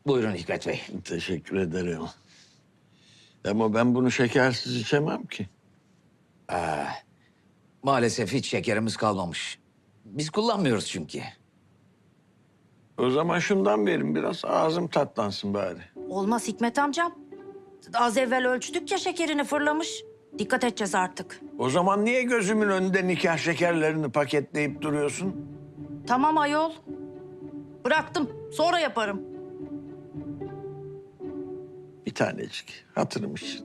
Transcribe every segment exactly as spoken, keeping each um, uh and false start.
Buyurun Hikmet Bey. Teşekkür ederim. Ama ben bunu şekersiz içemem ki. Maalesef hiç şekerimiz kalmamış. Biz kullanmıyoruz çünkü. O zaman şundan verin biraz, ağzım tatlansın bari. Olmaz Hikmet amcam. Az evvel ölçtük ya şekerini fırlamış. Dikkat edeceğiz artık. O zaman niye gözümün önünde nikah şekerlerini paketleyip duruyorsun? Tamam ayol. Bıraktım. Sonra yaparım. Bir tanecik, hatırım için.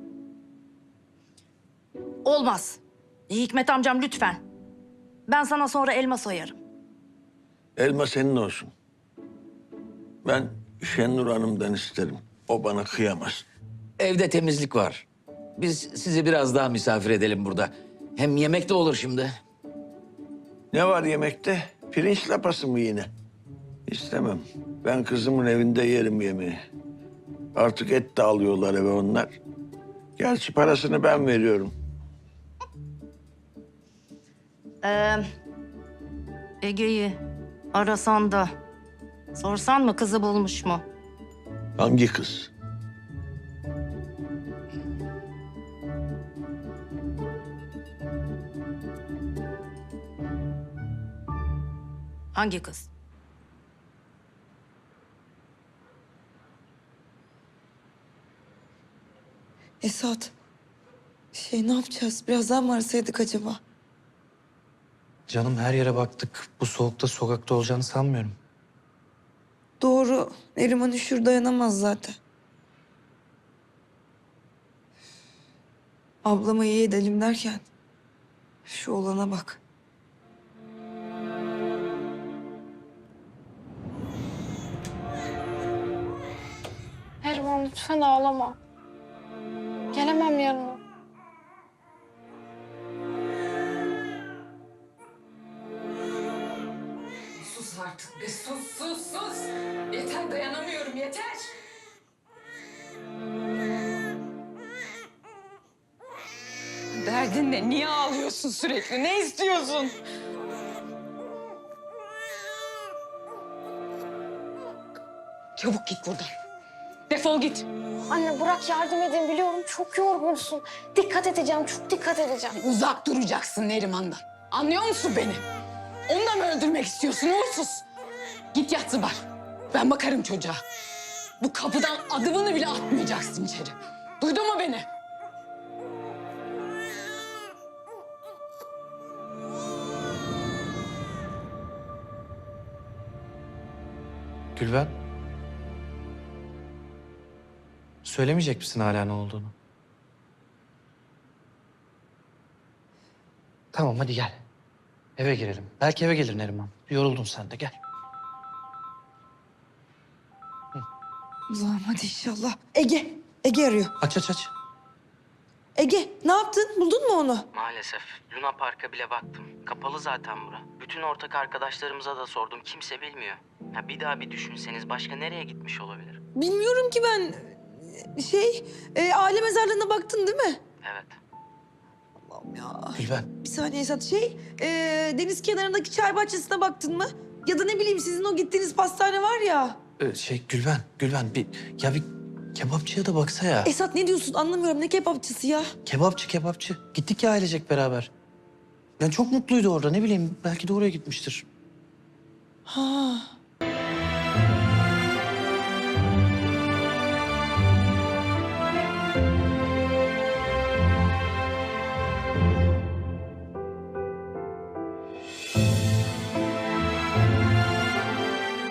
Olmaz. Hikmet amcam lütfen. Ben sana sonra elma soyarım. Elma senin olsun. Ben Şenur Hanım'dan isterim. O bana kıyamaz. Evde temizlik var. Biz sizi biraz daha misafir edelim burada. Hem yemek de olur şimdi. Ne var yemekte? Pirinç lapası mı yine? İstemem. Ben kızımın evinde yerim yemeği. Artık et de alıyorlar eve onlar. Gerçi parasını ben veriyorum. Ee, Ege'yi arasan da sorsan mı kızı bulmuş mu? Hangi kız? Hangi kız? Esat, şey ne yapacağız? Biraz daha mı arasaydık acaba? Canım her yere baktık. Bu soğukta sokakta olacağını sanmıyorum. Doğru, Neriman üşür dayanamaz zaten. Ablama iyi edelim derken şu olana bak. Neriman lütfen ağlama. Gelemem yanına. Sus artık be, sus sus sus. Yeter, dayanamıyorum, yeter. Derdin ne? Niye ağlıyorsun sürekli? Ne istiyorsun? Çabuk git buradan. Defol git. Anne bırak yardım edin biliyorum çok yorgunsun. Dikkat edeceğim çok dikkat edeceğim. Uzak duracaksın Neriman'dan. Anlıyor musun beni? Onu da mı öldürmek istiyorsun? Uğursuz. Git yat Zıbar. Ben bakarım çocuğa. Bu kapıdan adımını bile atmayacaksın içeri. Duydun mu beni? Gülben. Söylemeyecek misin hala ne olduğunu? Tamam hadi gel. Eve girelim. Belki eve gelir Neriman. Yoruldun sen de gel. Allah'ım hadi inşallah. Ege, Ege arıyor. Aç aç aç. Ege, ne yaptın? Buldun mu onu? Maalesef. Luna Park'a bile baktım. Kapalı zaten bura. Bütün ortak arkadaşlarımıza da sordum. Kimse bilmiyor. Ya bir daha bir düşünseniz başka nereye gitmiş olabilir? Bilmiyorum ki ben. Şey, e, aile mezarlığına baktın değil mi? Evet. Allah'ım ya. Gülben. Bir saniye Esat. Şey, e, deniz kenarındaki çay bahçesine baktın mı? Ya da ne bileyim sizin o gittiğiniz pastane var ya. Ee, şey Gülben. Gülben bir ya bir kebapçıya da baksa ya. Esat ne diyorsun anlamıyorum. Ne kebapçısı ya? Kebapçı kebapçı. Gittik ya ailecek beraber. Yani çok mutluydu orada ne bileyim belki de oraya gitmiştir. Ha.